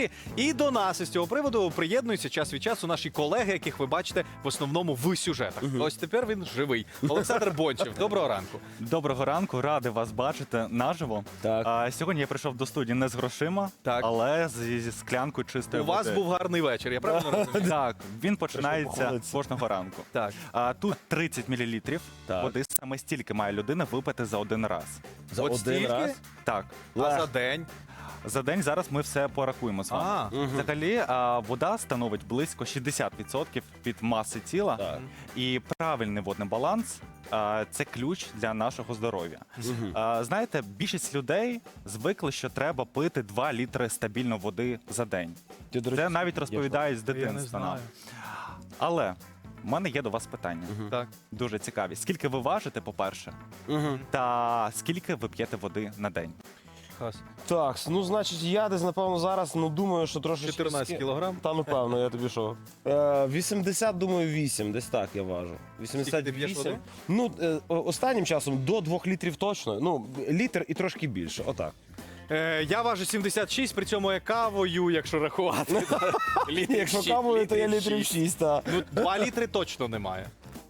І до нас із цього приводу приєднуються час від часу наші колеги, яких ви бачите в основному в сюжетах. Ось тепер він живий. Олександр Бончев, доброго ранку. Доброго ранку, радий вас бачити наживо. Так. Сьогодні я прийшов до студії не з грошима, Так. але зі склянкою чистої У води. вас був гарний вечір, я правильно розумію? Так, він починається Молодці. кожного ранку. Так. Тут 30 мл Так. води, саме стільки має людина випити за один раз. За От один стільки? раз? Так. А за день? За день зараз ми все порахуємо з вами. Взагалі, вода становить близько 60% від маси тіла. Так. І правильний водний баланс це ключ для нашого здоров'я. Знаєте, більшість людей звикли, що треба пити 2 літри стабільно води за день. Це навіть розповідають з Я не дитинства нам. знаю. Але в мене є до вас питання. Так. Дуже цікаві. Скільки ви важите, по-перше, та скільки ви п'єте води на день? Так, ну значить, я десь, напевно, зараз, думаю, що трошечки... 14 кілограм? Та, напевно, я тобі що? 80, думаю, 8, десь так я важу. Скільки ти п'єш води? Останнім часом до 2 літрів точно. Ну, літр і трошки більше, отак. Я важу 76, при цьому я кавою, якщо рахувати. Якщо кавою, то я літрів 6, так. Ну, 2 літри точно немає.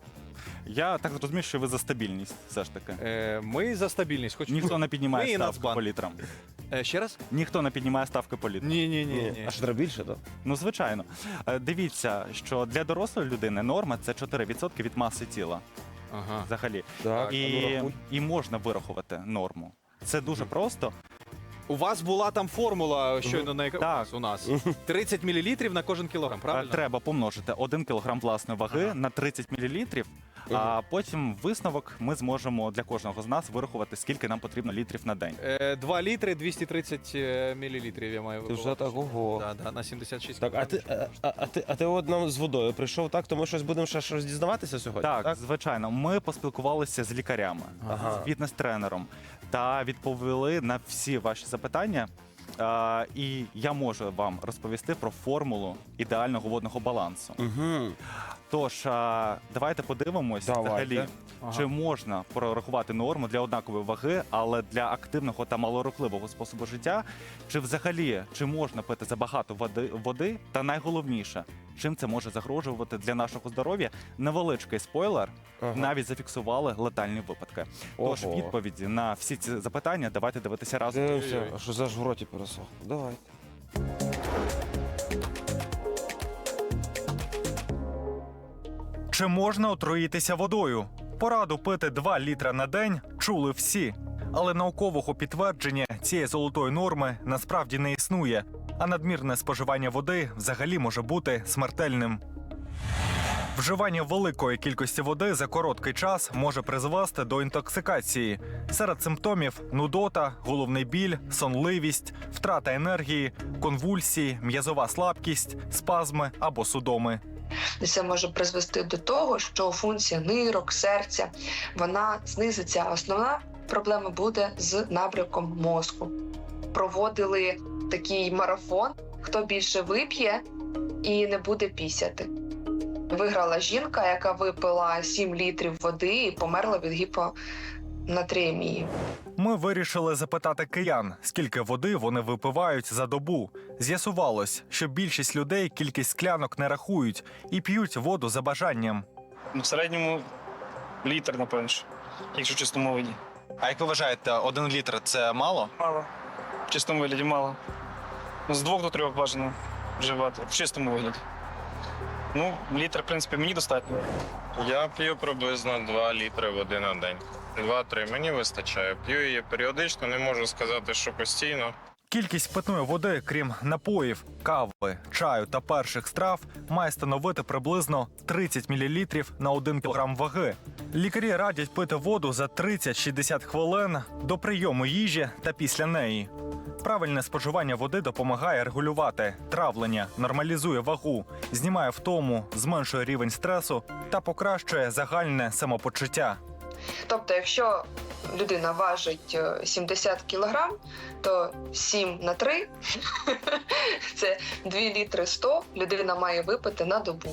Я так зрозумів, що ви за стабільність все ж таки. Ми за стабільність. Хоч Ніхто не Ми піднімає і ставки Нацбанк. по літрам. Ще раз? Ніхто не піднімає ставки по літрам. Ні. А що треба більше, так? Ну, звичайно. Дивіться, що для дорослої людини норма – це 4% від маси тіла Ага. взагалі. Так, І можна вирахувати норму. Це дуже просто. У вас була там формула щойно на Так. у нас. 30 мл на кожен кілограм, правильно? Треба помножити 1 кг власної ваги на 30 мл, а потім висновок ми зможемо для кожного з нас вирахувати, скільки нам потрібно літрів на день. 2 літри 230 мл я маю Ти вже так, ого. Да, на 76 Так, а ти от нам з водою прийшов, так? То ми щось будемо ще щось дізнаватися сьогодні? Так, звичайно. Ми поспілкувалися з лікарями, з фітнес-тренером та відповіли на всі ваші запитання. І я можу вам розповісти про формулу ідеального водного балансу. Угу. Тож, давайте подивимось, взагалі, чи можна прорахувати норму для однакової ваги, але для активного та малорухливого способу життя, чи взагалі, чи можна пити забагато води, та найголовніше, чим це може загрожувати для нашого здоров'я. Невеличкий спойлер, навіть зафіксували летальні випадки. Тож, Ого. відповіді на всі ці запитання давайте дивитися разом. Дивимося, а що ж в роті пересох. Давайте. Чи можна отруїтися водою? Пораду пити 2 літра на день чули всі. Але наукового підтвердження цієї золотої норми насправді не існує, а надмірне споживання води взагалі може бути смертельним. Вживання великої кількості води за короткий час може призвести до інтоксикації. Серед симптомів – нудота, головний біль, сонливість, втрата енергії, конвульсії, м'язова слабкість, спазми або судоми. Це може призвести до того, що функція нирок, серця, вона знизиться. Основна проблема буде з набряком мозку. Проводили такий марафон, хто більше вип'є і не буде пісяти. Виграла жінка, яка випила 7 літрів води і померла від гіпонатріємії. Ми вирішили запитати киян, скільки води вони випивають за добу. З'ясувалось, що більшість людей кількість склянок не рахують і п'ють воду за бажанням. В середньому літр, напевно, якщо в чистому вигляді. А як ви вважаєте, 1 літр – це мало? Мало. В чистому вигляді мало. З 2 до 3 бажано вживати. В чистому вигляді. Літр, в принципі, мені достатньо. Я п'ю приблизно 2 літри води на день. 2-3 мені вистачає. П'ю її періодично, не можу сказати, що постійно. Кількість питної води, крім напоїв, кави, чаю та перших страв, має становити приблизно 30 мл на 1 кг ваги. Лікарі радять пити воду за 30-60 хвилин до прийому їжі та після неї. Правильне споживання води допомагає регулювати травлення, нормалізує вагу, знімає втому, зменшує рівень стресу та покращує загальне самопочуття. Тобто, якщо людина важить 70 кг, то 7 на 3 – це 2 літри 100 людина має випити на добу.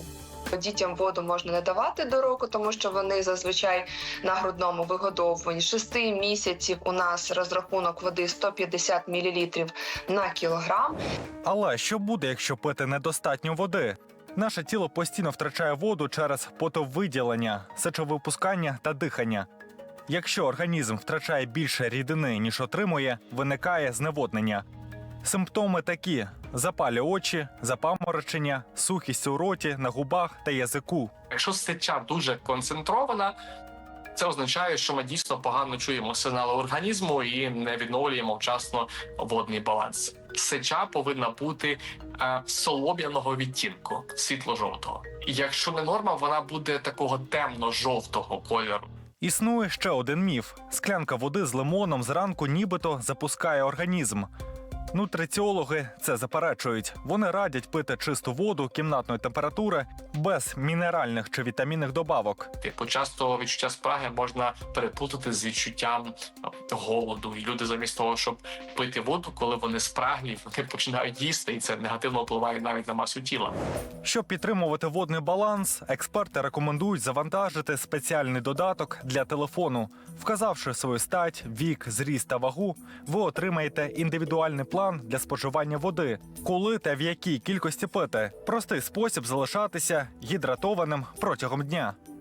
Дітям воду можна не давати до року, тому що вони зазвичай на грудному вигодовуванні. 6 місяців у нас розрахунок води 150 мл на кілограм. Але що буде, якщо пити недостатньо води? Наше тіло постійно втрачає воду через потовиділення, сечовипускання та дихання. Якщо організм втрачає більше рідини, ніж отримує, виникає зневоднення. Симптоми такі: запалі очі, запаморочення, сухість у роті, на губах та язику. Якщо сеча дуже концентрована, це означає, що ми дійсно погано чуємо сигнали організму і не відновлюємо вчасно водний баланс. Сеча повинна бути солом'яного відтінку, світло-жовтого. Якщо не норма, вона буде такого темно-жовтого кольору. Існує ще один міф: склянка води з лимоном зранку нібито запускає організм. Нутриціологи це заперечують. Вони радять пити чисту воду кімнатної температури без мінеральних чи вітамінних добавок. Часто відчуття спраги можна переплутати з відчуттям голоду. І люди замість того, щоб пити воду, коли вони спраглі, вони починають їсти, і це негативно впливає навіть на масу тіла. Щоб підтримувати водний баланс, експерти рекомендують завантажити спеціальний додаток для телефону. Вказавши свою стать, вік, зріст та вагу, ви отримаєте індивідуальний план для споживання води, коли та в якій кількості пити. Простий спосіб залишатися гідратованим протягом дня.